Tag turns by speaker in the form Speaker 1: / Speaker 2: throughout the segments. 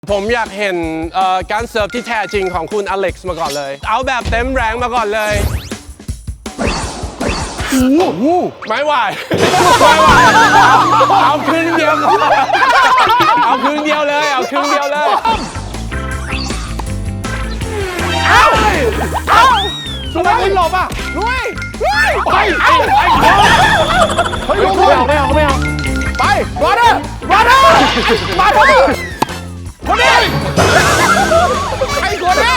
Speaker 1: ผมอยากเห็นการเสิร์ฟที่แท้จริงของคุณอเล็กซ์มาก่อนเลย เอาแบบเต็มแรงมาก่อนเลยไม่ไหวไม่ไหวเอาครึ่งเดียวเอาครึ่งเดียวเลยเอาครึ่งเดียวเลย
Speaker 2: สุดท้ายคุณหลบอ่ะลุยไปเฮ้ยลงไม่เอาไปมาเด้อคนนี้ไอ้คนนี้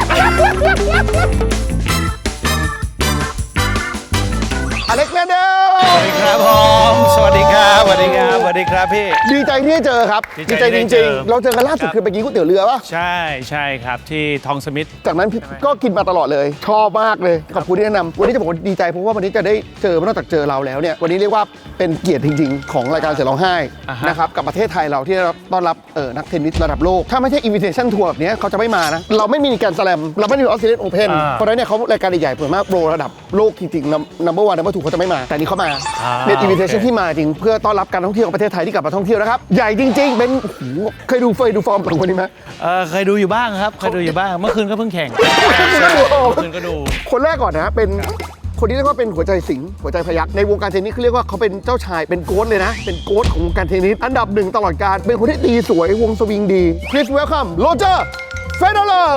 Speaker 2: อเล็กซ์แมนเดล
Speaker 3: ครับผมสวัสดีครับสวัสดีครับพี่
Speaker 2: ดีใจที่ได้เจอครับดีใจจริงๆเราเจอกันล่าสุดคือไปกินก๋วยเตี๋ยวเรือป่ะ
Speaker 3: ใช่ครับที่ทองสมิธ
Speaker 2: จากนั้นก็กินมาตลอดเลยชอบมากเลยขอบคุณที่แนะนำวันนี้จะบอกว่าดีใจเพราะว่าวันนี้จะได้เจอนอกจากเจอเราแล้วเนี่ยวันนี้เรียกว่าเป็นเกียรติจริงๆของรายการเสือร้องไห้นะครับกับประเทศไทยเราที่ต้อนรับนักเทนนิสระดับโลกถ้าไม่ใช่ invitation tour แบบนี้เขาจะไม่มานะเราไม่มีการแสลมเราไม่มีออสเตรเลียนโอเพ่นเพราะฉะนั้นเนี่ยเขารายการใหญ่ๆเปิดมากโปรระดับโลกจริงๆ number 1 number 2เขาจะไม่มาแต่นี่เขามาเป็น invitation ที่มาจริงเพื่อต้อนรับการท่องเที่ยวของประเทศไทยที่กลับมาท่องเที่ยวนะครับใหญ่จริงๆเป็นเคยดูฟอร์มของคนนี้ไหม
Speaker 3: เคยดูอยู่บ้างครับเคยดูอยู่บ้างเมื่อคืนก็เพิ่งแข่งก็ดู
Speaker 2: คนแรกก่อนนะเป็นคนที่เรียกว่าเป็นหัวใจสิงห์หัวใจพยัคฆ์ในวงการเทนนิสเขาเรียกว่าเขาเป็นเจ้าชายเป็นโค้ชเลยนะเป็นโค้ชของวงการเทนนิสอันดับหนึ่งตลอดกาลเป็นคนที่ตีสวยวงสวิงดี Please welcome Roger Federer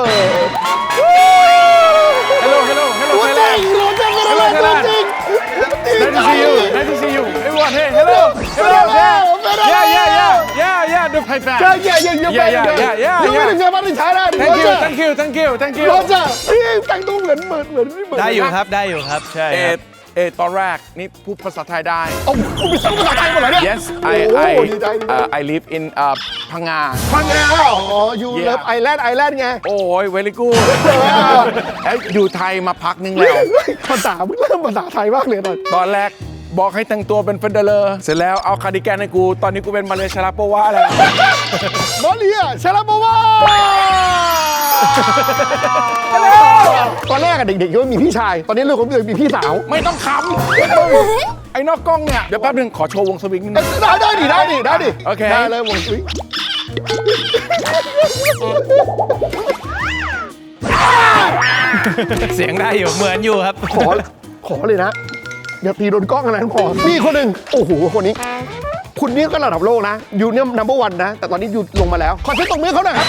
Speaker 1: Hello
Speaker 2: ตัวจริงRoger Federer ตัวจริง
Speaker 1: Nice to see you everyone hey hello yeah the Thai fan
Speaker 2: yeah ยังไม่ถึงเงินมาถึงใช้ได้
Speaker 1: thank you
Speaker 2: Roger นี่แต่งตัวเหมือน
Speaker 3: ได้อยู่ครับใช่
Speaker 4: ตอนแรกนี่พูดภาษาไทยได้
Speaker 2: โอ้คุณเป็นภาษาไทยหมดเลยเนี่ย
Speaker 4: Yes I live in พังงา
Speaker 2: อ๋อ you love Island ไง
Speaker 4: โอ้ย very good แล้วอยู่ไทยมาพักนึงแล้ว
Speaker 2: ภาษาเริ่มภาษาไทยมากเลย
Speaker 4: ตอนแรกบอกให้แต่งตัวเป็นเฟเดอร์เสร็จแล้วเอาคาร์ดิแกนให้กูตอนนี้กูเป็นมาเลเซียชาราโปวาแล้ว
Speaker 2: มาเลเซียชาราโปวาตอนแรกอะเด็กๆก็มีพี่ชายตอนนี้เรื่องของมีพี่สาว
Speaker 4: ไม่ต้องขำไอ้นอกกล้องเนี่ยเดี๋ยวแป๊บนึงขอโชว์วงสวิงนิดนึง
Speaker 2: ได้ดิ
Speaker 4: โอเค
Speaker 2: ได้เลยวงสวิง
Speaker 3: เสียงได้อยู่เหมือนอยู่ครับ
Speaker 2: ขอเลยนะอย่าตีโดนกล้องขนาดนั้นพอมีคนหนึ่งโอ้โหคนนี้คุณนี่ก็ระดับโลกนะอยู่เนี่ยnumber 1นะแต่ตอนนี้อยู่ลงมาแล้วขอเช็คตรงมือเขาหน่อยครับ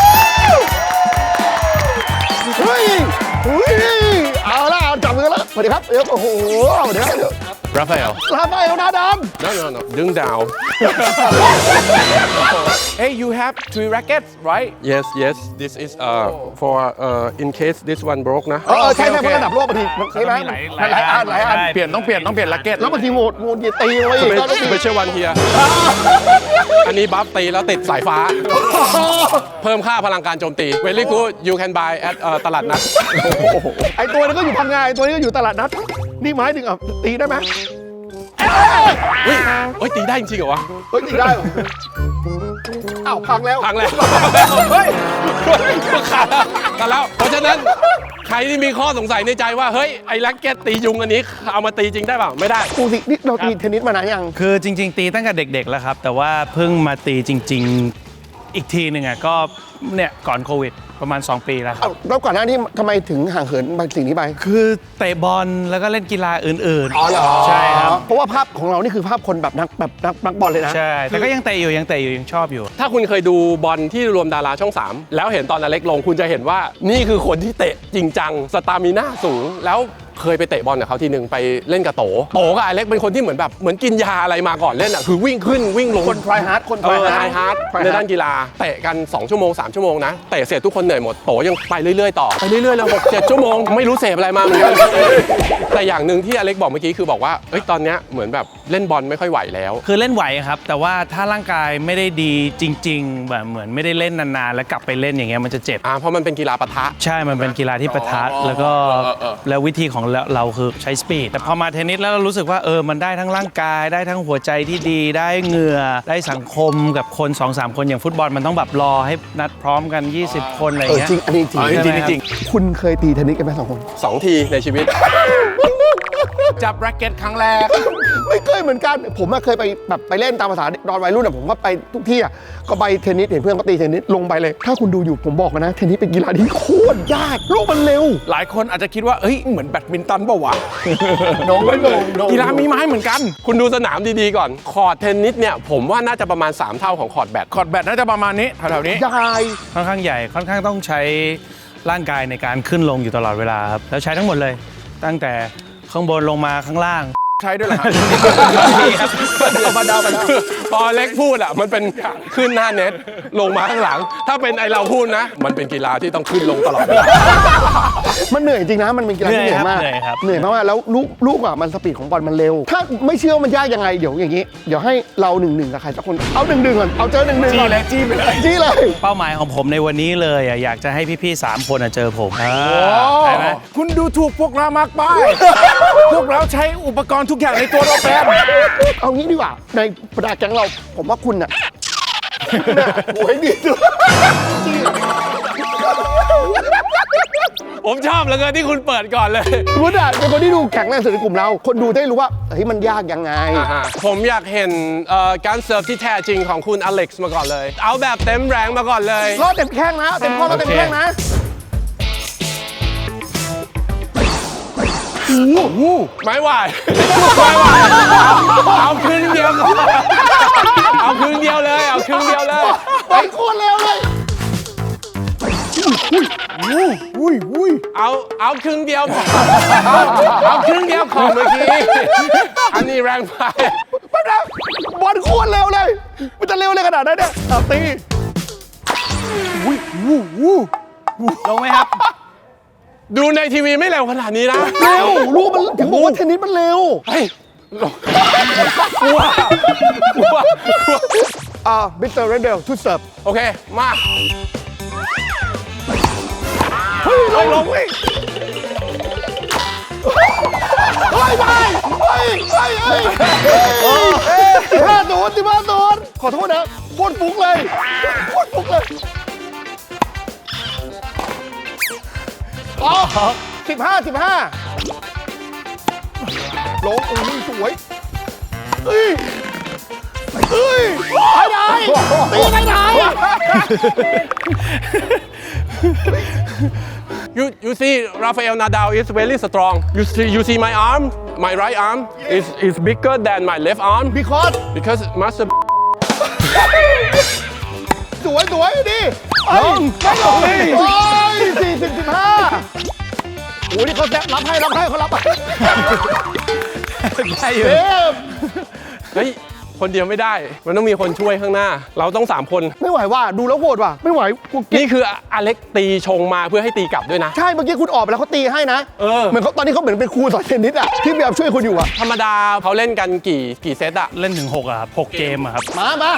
Speaker 2: เฮ้ยเอาละจับมือแล้วสวัสดีครับโอ้โหเดี๋ยว
Speaker 1: ราฟาเอล
Speaker 2: หน้าดำ
Speaker 1: no ดึงดาว
Speaker 4: Hey you have 3 rackets right
Speaker 1: yes this is for in case this one broke นะ
Speaker 2: ใช่เพราะระดับโลกบางทีใช่ไหมหลายอัน
Speaker 4: ต้องเปลี่ยนแร็คเก็ต
Speaker 2: แล้วบางทีโหมดตีไว้
Speaker 1: ไม่ใช่วันเฮียอันนี้บัฟตีแล้วติดสายฟ้าเพิ่มค่าพลังการโจมตี very good you can buy at ตลาดนัด
Speaker 2: ไอตัวนี้ก็อยู่พังงาไอตัวนี้ก็อยู่ตลาดนัดนี่ไม้ถึงตีได้ไหม
Speaker 1: เฮ้ยตีได้จริงเหรอวะ
Speaker 2: ตีได้อ้าวพังแล้ว
Speaker 1: เฮ้ยขาดแล้วเพราะฉะนั้นใครที่มีข้อสงสัยในใจว่าเฮ้ยไอ้แร็คเก็ตตียุงอันนี้เอามาตีจริงได้เปล่าไม่ได้
Speaker 2: ปูสินี่เราตีเทนนิสมานานยัง
Speaker 3: คือจริงๆตีตั้งแต่เด็กๆแล้วครับแต่ว่าเพิ่งมาตีจริงๆอีกทีหนึ่งก็เนี่ยก่อนโควิดประมาณ2 ปีแล้วครับ
Speaker 2: แล้วก่อนหน้านี้ทำไมถึงห่างเหินบางสิ่งนี้ไป
Speaker 3: คือเตะบอลแล้วก็เล่นกีฬาอื่น
Speaker 2: ๆอ๋อเหรอ
Speaker 3: ใช่ครับ
Speaker 2: เพราะว่าภาพของเรานี่คือภาพคนแบบนักบอลเลยนะ
Speaker 3: ใช่แต่ก็ยังเตะอยู่ยังชอบอยู่
Speaker 1: ถ้าคุณเคยดูบอลที่รวมดาราช่อง3แล้วเห็นตอนอเล็กลงคุณจะเห็นว่านี่คือคนที่เตะจริงจังสตามิน่าสูงแล้วเคยไปเตะบอลกับเขาทีนึงไปเล่นกับโตกับอเล็กเป็นคนที่เหมือนกินยาอะไรมาก่อนเล่นคือวิ่งขึ้นวิ่งลง
Speaker 2: คนไทรฮาร์ด
Speaker 1: ในด้านกีฬาเตะกัน2 ชั่วโมง 3 ชั่วโมงนะเตะเสร็จทุกคนเหนื่อยหมดโตยังไปเรื่อยๆต่อไปเรื่อยๆแล้ว6-7 ชั่วโมงไม่รู้เสพอะไรมาเหมือนกันแต่อย่างหนึ่งที่อเล็กบอกเมื่อกี้คือบอกว่าตอนนี้เหมือนแบบเล่นบอลไม่ค่อยไหวแล้ว
Speaker 3: คือเล่นไหวครับแต่ว่าถ้าร่างกายไม่ได้ดีจริงๆแบบเหมือนไม่ได้เล่นนานๆแล้วกลับไปเล่นอย่างเงี้ยมันจะเจ็บ
Speaker 1: เพราะมันเป็นกีฬาปะทะ
Speaker 3: ใช่มันเป็นกีฬาที่ปะทะแล้ววิธีของเราคือใช้สปีดแต่พอมาเทนนิสแล้วเรารู้สึกว่ามันได้ทั้งร่างกายได้ทั้งหัวใจที่ดีได้เหงื่อได้สังคมกับคน 2-3 คนอย่างฟุตบอลมันต้องแบบรอให้นัดพร้อมกัน20 คนอะไรเงี้ย
Speaker 2: จริงอันนี้จริงคุณเคยตีเทนนิสกันไหม2 คน
Speaker 1: 2 ทีในชีวิต
Speaker 4: จับแร็กเก็ตครั้งแรก
Speaker 2: ไม่เคยเหมือนกันผมเคยไปแบบไปเล่นตามภาษาตอนวัยรุ่นผมก็ไปทุกที่ก็ไปเทนนิสเห็นเพื่อนก็ตีเทนนิสลงไปเลยถ้าคุณดูอยู่ผมบอกนะเทนนิสเป็นกีฬาที่โคตรยากลูกมันเร็ว
Speaker 4: หลายคนอาจจะคิดว่าเอ้ยเหมือนแบดมินตันเปล่าวะ
Speaker 2: น้องไม่ลง
Speaker 4: กีฬามีไม้เหมือนกัน
Speaker 1: คุณดูสนามดีๆก่อน คอร์ตเทนนิสเนี่ยผมว่าน่าจะประมาณ 3 เท่าของคอร์ตแบด
Speaker 4: คอร์ดแบดน่าจะประมาณนี้แถวๆนี้
Speaker 2: ยาย
Speaker 3: ค่อนข้างใหญ่ค่อนข้างต้องใช้ร่างกายในการขึ้นลงอยู่ตลอดเวลาครับแล้วใช้ทั้งหมดเลย ตั้งแต่ข้างบนลงมาข้างล่าง
Speaker 4: ใช้ด้วยเหรอครับ
Speaker 2: เอามาดาวมาดาว
Speaker 1: พอเล็กพูดอ่ะมันเป็นขึ้นหน้าเน็ตลงมาข้างหลัง ถ้าเป็นไอเราพูดนะ มันเป็นกีฬาที่ต้องขึ้นลงตลอดเวลา
Speaker 2: มันเหนื่อยจริงนะมันเป็นกีฬาที่เหนื่อยมาก
Speaker 3: เหนื่อยครับ
Speaker 2: เหนื่อยมากๆแล้วลูกมันสปีดของบอลมันเร็ว ถ้าไม่เชื่อว่ามันยากยังไงเดี๋ยวอย่างนี้เดี๋ยวให้เรา1-1กับใครสักคนเอา1-1ก่อนเอาเจอ1-1ก่อน
Speaker 4: จี้เลยจี้ไปเลย
Speaker 2: จี้เลย
Speaker 3: เป้าหมายของผมในวันนี้เลยอยากจะให้พี่ๆ3 คนเจอผมใช่ไหม
Speaker 4: คุณดูถูกพวกเรามากไป พวกเราใช้อุปกรณ์ทุกอย่างในตัวเราแปม
Speaker 2: เอางี้ดีกว่าในบรรดาแก๊งเราผมว่าคุณน่ะโอ้ยดีด้วย
Speaker 1: ผมชอบเหลือเกินที่คุณเปิดก่อนเลย
Speaker 2: คุณอ่ะเป็นคนที่ดูแข็งแรงสุดในกลุ่มเรา คนดูได้รู้ว่าเฮ้ยมันยากยังไง
Speaker 1: ผมอยากเห็นการเสิร์ฟที่แท้จริงของคุณอเล็กซ์มาก่อนเลย เอาแบบเต็มแรงมาก่อนเลย
Speaker 2: รอดเต็มแข้งนะเต็มข้อรอดเต็มแข้งนะ
Speaker 1: ไม่ไหวไม่ไหวเอาครึ่งเดียวก่อนเอาครึ่งเดียวเลยเอาครึ่งเดียวเลย
Speaker 2: ไปโคตรเร็วเลยอุ้ย
Speaker 1: เอาครึ่งเดียวพอเอาครึ่งเดียวของเมื่อกี้อันนี้แรงไป
Speaker 2: แป๊บนะบอลโคตรเร็วเลย มันจะเร็วเลยขนาดนั้นเนี่ยเอาตี
Speaker 3: ลงไหมครับ
Speaker 1: ดูในทีวีไม่เร็วขนาดนี้นะ
Speaker 2: เร็วลูกมันถึงบอกว่าเทนนิสมันเร็ว
Speaker 1: เฮ้ยกลัวกลัว
Speaker 2: มิสเตอร์เรนเดลทูเสิร์ฟ
Speaker 1: โอเค มา
Speaker 2: เฮ้ยลงเฮ้ยเฮ้ยไปเฮ้ย15-0ขอโทษนะโคตรฟุกเลยโคตรฟุกเลยอ๋อ15ลงอุ้ยสวยเฮ้ยไปไหนตีไปไหน
Speaker 1: You see Rafael Nadal is very strong. You see my arm, my right arm is bigger than my left arm because master
Speaker 2: สวยดิไม่ลงโอ้ย40-15โอ้ยนี่เขารับให้เขารับ
Speaker 3: ได้อยู่
Speaker 1: เฮ้ยคนเดียวไม่ได้ มันต้องมีคนช่วยข้างหน้า เราต้อง3 คน
Speaker 2: ไม่ไหวว่ะดูแล้วโหดว่ะไม่ไหวกู
Speaker 1: นี่คืออเล็กตีชงมาเพื่อให้ตีกลับด้วยนะ
Speaker 2: ใช่เมื่อกี้คุณออกไปแล้วเขาตีให้นะเหมือนเขาตอนนี้เขาเหมือนเป็นครูสอนเทนนิสอ่ะที่พยายามช่วยคุณอยู่อ่ะ
Speaker 1: ธรรมดาเขาเล่นกันกี่เซตอะ
Speaker 3: เล่นถึง6ครับ6 เกมอะครับ
Speaker 2: มา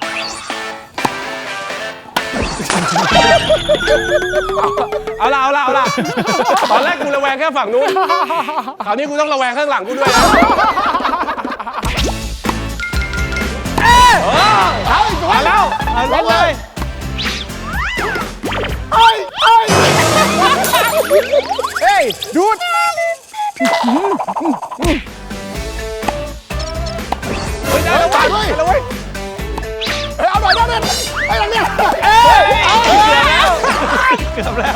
Speaker 1: เอาละตอนแรกกูระแวงแค่ฝั่งนู้นคราวนี้กูต้องระแวงข้างหลังกูด้วยนะ
Speaker 2: เอาแล้ว
Speaker 3: เล่นเลย
Speaker 2: เฮ้ยดูดเอาไปเฮ้ยเอาหน่อยได้เนี่ยไอ้หลังเนี่ย
Speaker 3: เกือบแล้ว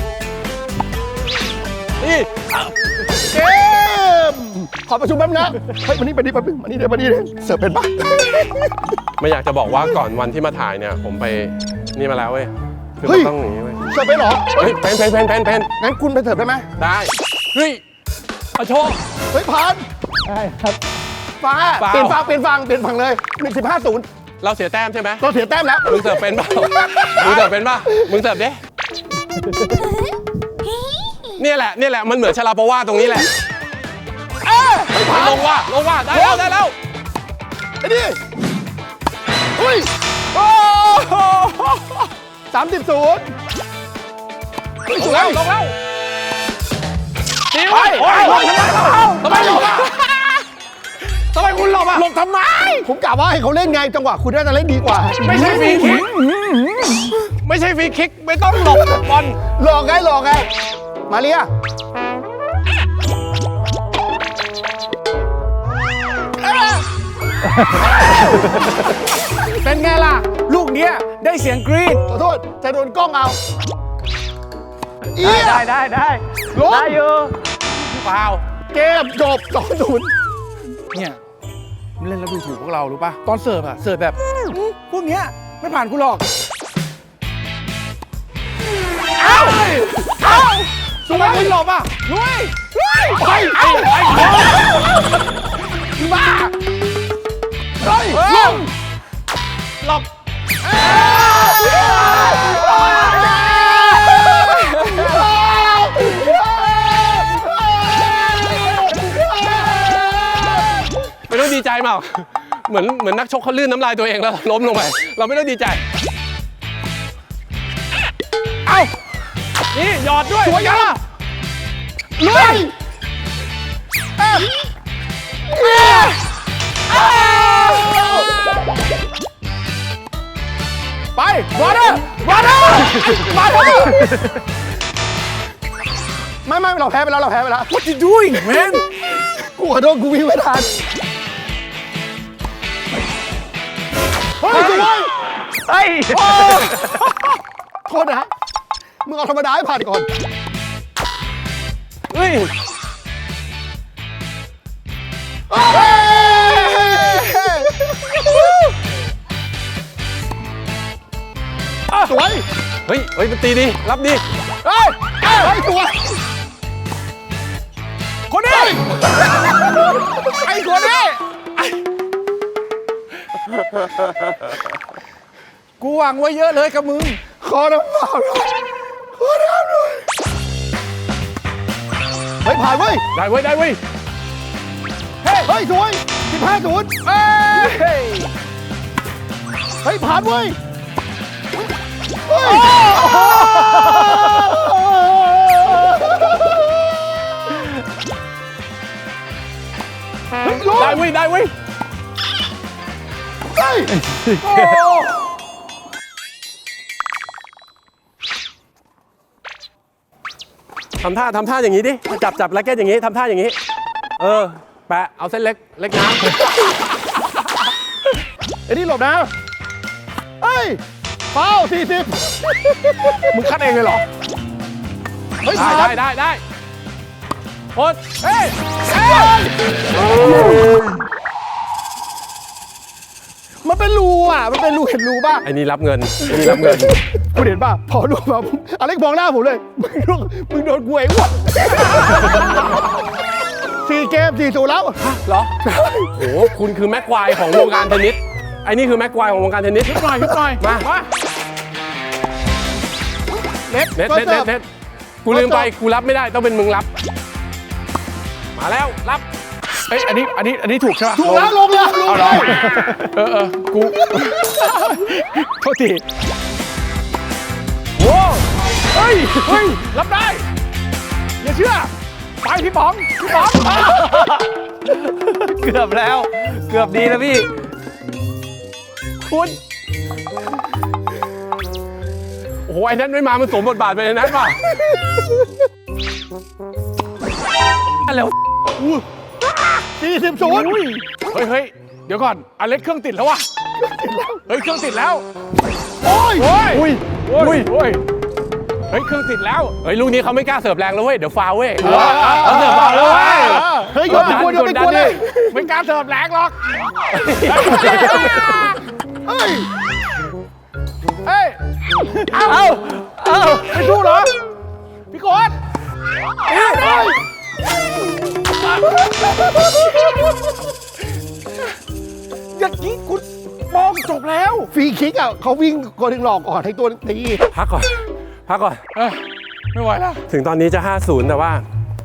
Speaker 1: นี่
Speaker 2: เกมขอประชุมแป๊บนะเฮ้ยมานี่แป๊บนึงมานี่เสิร์ฟเป็นปะ
Speaker 1: ไม่อยากจะบอกว่าก่อนวันที่มาถ่ายเนี่ยผมไปนี่มาแล้วเว้ยคือ
Speaker 2: เฮ้
Speaker 1: มั
Speaker 2: ย
Speaker 1: นต้องอย่างนี้เว้ย
Speaker 2: เสิร์ฟเป็นเหรอ
Speaker 1: เฮ้ยเป็น
Speaker 2: งั้นคุณไปเสิร์ฟได้ไหม
Speaker 1: ได้เฮ้ยเอาโชว์
Speaker 2: เฮ้ยผ่านได้ครับฟ้าเปลี่ยนฝั่งเลย15-0
Speaker 1: เราเสียแต้มใช่ไหม
Speaker 2: เราเสียแต้มแล้ว
Speaker 1: มึงเสิร์ฟเป็นเปล่ามึงเสิร์ฟเป็นป่ะมึงเสิร์ฟดิเนี่ยแหละมันเหมือนชาลาโปวาตรงนี้แหละลงว่าได้แล้ว
Speaker 2: ไอ้นี่อุ้ยโอ้30-0สวย
Speaker 1: ลงแล้วตีไว้ ทำไมหลบอ่ะทำไมคุณหลบอ่ะ
Speaker 2: หลบทำไมผมกะว่าให้เขาเล่นไงจังหวะคุณน่าจะเล่นดีกว่า
Speaker 1: ไม่ใช่ฟรีคิกไม่ใช่ฟรีคิกไม่ต้องหลบบอล
Speaker 2: หลอกไงมาเรีย
Speaker 4: เป็นไงล่ะ ลูกเนี้ยได้เสียงกรี๊ด
Speaker 2: ขอโทษจะโดนกล้องเอา
Speaker 3: ได้ได้
Speaker 2: ลง
Speaker 3: ได้อยู่
Speaker 1: ฟาว
Speaker 2: เกมจบ2-0
Speaker 4: เนี่ยมันเล่นแล้วดูถูกพวกเรารู้ป่ะ ตอนเสิร์ฟอะเสิร์ฟแบบพวกเนี้ยไม่ผ่านกูหรอก
Speaker 2: ทำไมไม่หลบอ่ะ
Speaker 4: ลุย
Speaker 2: ไปบ้าเฮ้ยลงหลบ
Speaker 1: ไม่ต้องดีใจเปล่าเหมือนนักชกเขาลื่นน้ำลายตัวเองแล้วล้มลงไป เราไม่ต้องดีใจ
Speaker 4: เอ้า นี่หยอดด้วย
Speaker 2: สวยยังลุย
Speaker 4: ไปบอลเดอร์บอลเดอร์
Speaker 2: ไม่เราแพ้ไปแล้ว
Speaker 4: What you doing man
Speaker 2: กูขอโทษกูวิ่งไม่ทันเฮ้ยสวย
Speaker 3: เฮ้ย
Speaker 2: โทษนะมึงเอาธรรมดาให้ผ่านก่อน
Speaker 1: เฮ้ย
Speaker 2: สวย
Speaker 1: เฮ้ยมันตีดี รับดี
Speaker 2: เฮ้ยสวย
Speaker 4: คนนี้ ไอ้คนนี้ กูหวังไว้เยอะเลยกับมึง
Speaker 2: ขอน้ำเปล่าหน่อยเฮ้ยผ่านเว้ย
Speaker 1: ได้เว้ย ได้เว้ย
Speaker 2: เฮ้ยสวย15-0
Speaker 4: เฮ้ย
Speaker 2: เฮ้ยผ่านเว้ยเฮ้ยลง
Speaker 1: ได้เว้ย ได้เว้ย
Speaker 2: เฮ้ย
Speaker 1: ทำท่าอย่างนี้ดิ จับแร็กเก็ตอย่างนี้ ทำท่าอย่างนี้ แปะ เอาเส้นเล็กน้ำ
Speaker 2: ไอ้นี่หลบนะเฮ้ยเป้า40
Speaker 4: มึงคัดเองเลยเหรอ
Speaker 2: เฮ้ยผ่าน
Speaker 1: ได้โอ๊ต
Speaker 4: เฮ้ย
Speaker 2: มันเป็นรูอ่ะ มันเป็นรูเห็นรูป่ะ
Speaker 1: ไอ้นี่รับเงิน
Speaker 2: คุณเห็นป่ะ พอรูมาปุ๊บอเล็กมองหน้าผมเลย มึงโดนกูไอ้อ้วน4 เกม 4-0 แล้ว
Speaker 1: เหรอ โอ้โห คุณคือแม็กควายของวงการเทนนิส ไอ้นี่คือแม็กควายของวงการเทนนิส
Speaker 4: หน่อย
Speaker 1: มา เน็ตกูลืมไป กูรับไม่ได้ ต้องเป็นมึงรับ มาแล้ว รับ
Speaker 4: เอ้ยอันนี้ถูกใช่ปะ
Speaker 2: ถูกแล้วลงเลย
Speaker 4: เอาเหรอกู โทษทีโว้เฮ้ย รับได้ อย่าเชื่อ ไปพี่ป๋อง
Speaker 3: เกือบแล้ว เกือบดีแล้วพี่
Speaker 1: คุณ โอ้โห ไอ้นั้นไม่มา มันสวมบทบาทไปในนั้นป่ะแล้ว
Speaker 2: 40-0
Speaker 4: เฮ้ย เดี๋ยวก่อนอเล็กเครื่องติดแล้ววะเฮ้ย เครื่องติดแล้ว
Speaker 2: โอ้ย
Speaker 4: โอ้ยเฮ้ย เครื่องติดแล้ว
Speaker 1: เฮ้ย ลูกนี้เขาไม่กล้าเสิร์ฟแรงแล้วเว้ย เดี๋ยวฟาวเว้ย
Speaker 4: เอาเสิร์ฟบอลแล้วเว้ย
Speaker 2: เฮ้ยโยนไปกวนเลย
Speaker 4: ไม่กล้าเสิร์ฟแรงหรอก
Speaker 2: เฮ้ย
Speaker 4: เฮ้ย เอาไม่สู้เหรอ พี่โค้ดอย่างนี้คุณมองจบแล้ว
Speaker 2: ฟรีคิกอ่ะเขาวิ่งคนหนึ่งหลอกก่อนให้ตัวตี
Speaker 1: พักก่อน
Speaker 4: ไม่ไหวแล้ว
Speaker 1: ถึงตอนนี้จะ 5-0 แต่ว่า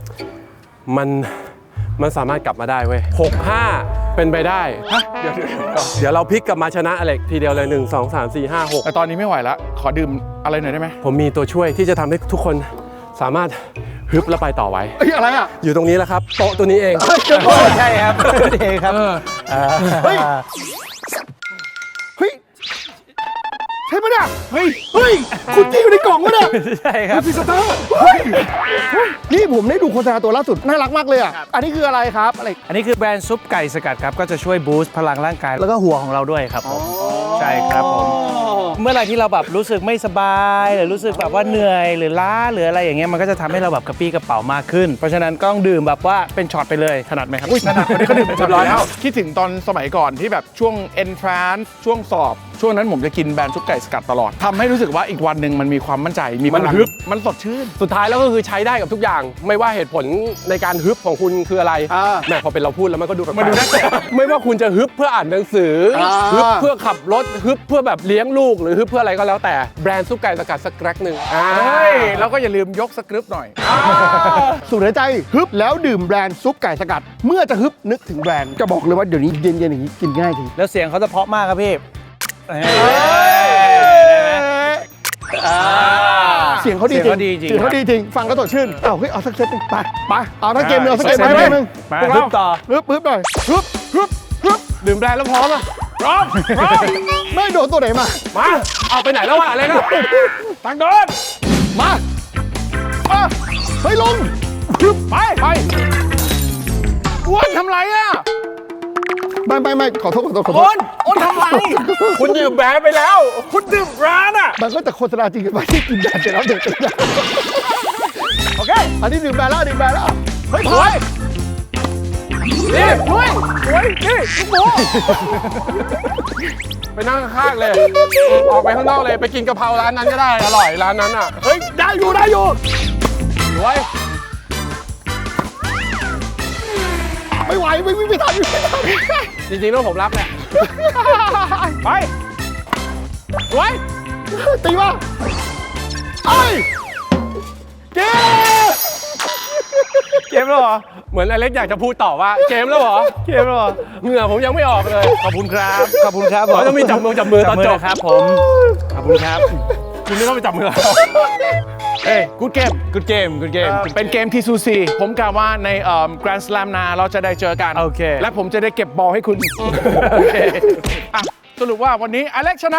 Speaker 1: มันสามารถกลับมาได้เว้ย 6-5 เป็นไปได้ เดี๋ยวเราพลิกกลับมาชนะอเล็กทีเดียวเลย 1 2 3 4 5
Speaker 4: แต่ตอนนี้ไม่ไหวแล้ว ขอดื่มอะไรหน่อยได้ไหม
Speaker 1: 6 ผมมีตัวช่วยที่จะทำให้ทุกคนสามารถฮึบและไปต่อไว้
Speaker 2: เฮ้ยอะไรอ่ะ
Speaker 1: อยู่ตรงนี้แล้วครับ โต๊ะตัวนี้เอง
Speaker 3: ใช่ครับเองครับ
Speaker 2: เฮ้ย เฮ้ยใช่ปะเนี่ย
Speaker 4: เฮ้ย
Speaker 2: เฮ้ยคุณที่อยู่ในกล่องวะเนี่ย
Speaker 3: ใช่ครับ
Speaker 2: พิซซ่าเฮ้ยนี่ผมได้ดูโฆษณาตัวล่าสุดน่ารักมากเลยอ่ะอันนี้คืออะไรครับอะไร
Speaker 3: อันนี้คือแบรนด์ซุปไก่สกัดครับก็จะช่วยบูสต์พลังร่างกายแล้วก็หัวของเราด้วยครับผมใช่ครับผมเมื่อไหร่ที่เราแบบรู้สึกไม่สบายหรือรู้สึกแบบว่าเหนื่อยหรือล้าหรืออะไรอย่างเงี้ยมันก็จะทำให้เราแบบกระปี้กระเป๋ามากขึ้นเพราะฉะนั้นก็ต้องดื่มแบบว่าเป็นช็อตไปเลยถนัดไหมครับ
Speaker 4: อุ้ยถนัดคนนี้เขาดื่มไปเรียบร้อยแล้วคิดถึงตอนสมัยก่อนที่แบบช่วง entrance ช่วงสอบ ช่วงนั้นผมจะกินแบรนด์ซุปไก่สกัดตลอดทำให้รู้สึกว่าอีกวันหนึ่งมันมีความมั่นใจมีพลัง
Speaker 1: มันฮึบ
Speaker 4: มันสดชื่น
Speaker 1: สุดท้ายแล้วก็คือใช้ได้กับทุกอย่าง ไม่ว่าเหตุผลในการฮึบของคุณคืออะไร
Speaker 2: อ่า
Speaker 1: แหม่พอเป็นเราพูดแล้วมันก็ดูแปลกๆ
Speaker 4: มันดูน่ากลัว
Speaker 1: ไม่ว่าคุณจะฮึบเพื่ออ่านหนังสืออา ฮึบเพื่อขับรถฮึบเพื่อแบบเลี้ยงลูกหรือฮึบเพื่ออะไรก็แล้วแต่แบรนด์ซุปไก่สกัดสักแกร็กหนึ่ง
Speaker 4: เฮ้ยแล้วก็อย่าลืมยกสคริปต์หน่อย
Speaker 2: สูดหายใจฮึบแล้วดื่มแบรนด์ซุปไก่สกัด เมื่อจะฮึบนึกถึงแบรนด์จะบอกเลยว่าเดี๋ยวนี้เย็นๆอย่างนี้กินง่ายจริง
Speaker 3: แล้วเสียงเขาจะเพราะมากครับพี่
Speaker 2: เสียงเขาดีจริง
Speaker 3: เสียงเขาดีจริง
Speaker 2: เสียงเขาดีจริงฟังแล้วสดชื่นเอาเฮ้ยเอาสักเซตหนึงไปเอาทั้งเกมเลยเอาสักเกม
Speaker 3: เซต
Speaker 2: ไป
Speaker 3: หนึ่ง
Speaker 2: นึง
Speaker 3: มา
Speaker 2: พวก
Speaker 3: ฮึ
Speaker 2: เรา
Speaker 3: บต่อ
Speaker 2: ฮึบหน่อยฮึบฮึบ
Speaker 1: ดื่มแบรนด์แล้วพร้อมอ่ะ
Speaker 4: พร้อม
Speaker 2: ไม่โดนตัวไหนมา
Speaker 1: มาเอาไปไหนแล้ววะอะไรนะ
Speaker 4: ทางโดน
Speaker 2: มาเฮ้ยลง
Speaker 4: ไปอ้วนทำไรอ่ะ
Speaker 2: ไม่ขอโทษ
Speaker 4: อ้นทำไร
Speaker 1: คุณดื่มแบรนด์ไปแล้ว
Speaker 4: คุณดื่มร้านอ่ะ
Speaker 2: มันก็จะโฆษณาจริงกันไปที่กินแบรนด์เสร็จแล้วเด็กเป็นอย่าง
Speaker 4: โอเค
Speaker 2: อันนี้ดื่มแบรนด์แล้วดื่มแบรนด์แล้ว
Speaker 4: เฮ้ยถอยนี่ด้วยสวยนี่ลูกหมู
Speaker 1: ไปนั่งข้างๆเลย ออกไปข้างนอกเลยไปกินกะเพราร้านนั้นก็ได้อร่อยร้านนั้นอ่ะ
Speaker 2: เฮ้ยได้อยู่
Speaker 1: รวย
Speaker 2: ไม่ไหวไม่วิ่งไม่ทัน
Speaker 1: จริงๆแล้วผมรับแหละ
Speaker 4: ไป
Speaker 1: รวย
Speaker 2: ตีมาเอ้ยเจ๊
Speaker 3: เกมแล้วเหรอ
Speaker 1: เหมือนอเล็กอยากจะพูดต่อว่าเกมแล้วเหรอ
Speaker 3: เกมแล้วเหรอ
Speaker 1: เหงื่อผมยังไม่ออกเลย
Speaker 3: ขอบคุณครับขอบคุณครับ
Speaker 1: เขาจะมีจับมือตอนจบ
Speaker 3: ครับผมขอบคุณครับ
Speaker 1: คุณไม่ต้องไปจับมือ
Speaker 4: เอ้ยกูดเกม
Speaker 3: good game good game
Speaker 4: เป็นเกมที่ซูซีผมกล่าวว่าในแกรนด์สแลมนาเราจะได้เจอกัน
Speaker 3: โอเค
Speaker 4: และผมจะได้เก็บบอลให้คุณ โอเคอ่ะสรุปว่าวันนี้อเล็กชนะ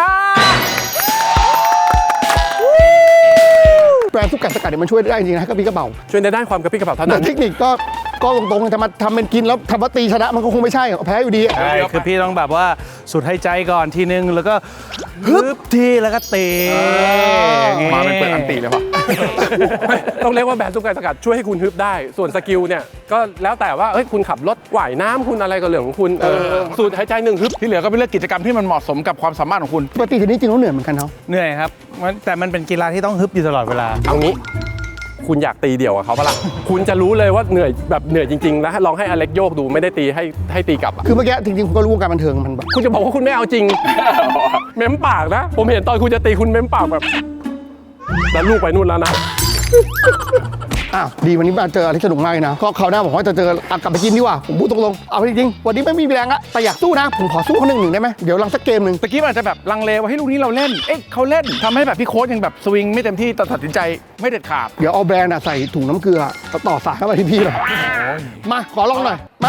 Speaker 2: แบรนด์ซุปไก่สกัดเนี่ยมันช่วยได้จริงๆนะกระปี้กระเป๋า
Speaker 1: ช่วยในด้านความกระปรี้กระเป๋าเท่า
Speaker 2: แต่
Speaker 1: นั้น
Speaker 2: เทคนิคก็ตรงๆจะมาทำเป็นกินแล้วทำว่าตีชนะมันก็คงไม่ใช่แพ้อยู่ดี
Speaker 3: ใช่คือพี่ต้องแบบว่าสูดหายใจก่อนทีนึงแล้วก็ฮึบทีแล้วก็ตีอย่างงี้
Speaker 4: มาเป็นเปิดอันตีเลยว่ะ
Speaker 1: ต้องเรียกว่าแบรนด์ซุปไก่สกัดช่วยให้คุณฮึบได้ ส่วนสกิลเนี่ยก็แล้วแต่ว่าเอ้ยคุณขับรถว่ายน้ำคุณอะไรก็เรื่องของคุณสูดหายใจหนึ่งฮึบ
Speaker 4: ที่เหลือก็เป็นเรื่องกิจกรรมที่มันเหมาะสมกับความสามารถของคุณ
Speaker 2: ปกติทีนี้จริงแล้วเหนื่อยเหมือนกันเนาะ
Speaker 3: เหนื่อยครับแต่มันเป็นกีฬาที่ต้องฮึบอยู่ตลอดเวลา
Speaker 1: เอางี้ คุณอยากตีเดี่ยวกับเขาปะล่ะ คุณจะรู้เลยว่าเหนื่อยแบบเหนื่อยจริงๆแล้วลองให้อเล็กโยกดูไม่ได้ตีให้ตีกลับอะ
Speaker 2: คือเมื่อกี้จริงๆผมก็รู้วงการบันเทิงมันแบบ
Speaker 1: คุณจะบอกว่าคุณไม่เอาจริง เม้มปากนะ ผมเห็นตอนคุณจะตีคุณเม้มปากแบบแล้วลูกไปนู่นแล้วนะ
Speaker 2: อ้าวดีวันนี้มาเจออะไรสนุกมากเลยนะก็คราวหน้าผมว่าจะเจอกลับไปกินดีกว่าผมพูดตรงๆเอาจริงๆวันนี้ไม่มีแรงอะแต่อยากสู้นะผมขอสู้เขาหนึ่งได้ไหมเดี๋ยวลังสักเกมหนึ่ง
Speaker 4: ตะกี้มันอาจจะแบบลังเลว่าให้ลูกนี้เราเล่น เอ๊ะเขาเล่นทำให้แบบพี่โค้ชยังแบบสวิงไม่เต็มที่แต่ตัดสินใจไม่เด็ดขาด
Speaker 2: เดี๋ยวเอาแบรนด์อะใส่ถุงน้ำเกลือต่อสายเข้าไปที่พี่หน่อยมาขอลองหน่อยมา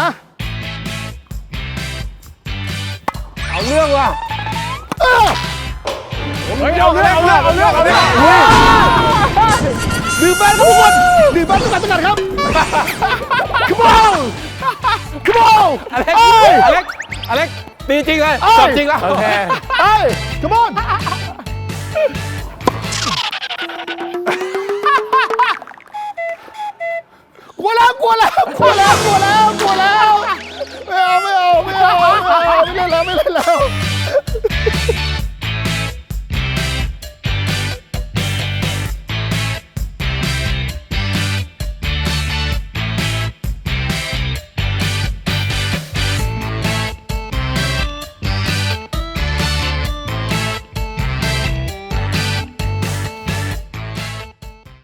Speaker 1: เอาเรื่องว่ะ
Speaker 4: เฮ้ยเอาเรื่อง
Speaker 2: ดื่มแบรนด์ทุกคนดื่มแบรนด์ทุกคนครับ Come on Come on
Speaker 1: อเล็กตีจริงเลยจบจริงแล้ว
Speaker 3: โอเค
Speaker 2: เฮ้ย Come on กลัวแล้วไม่เอาไม่เล่นแล้ว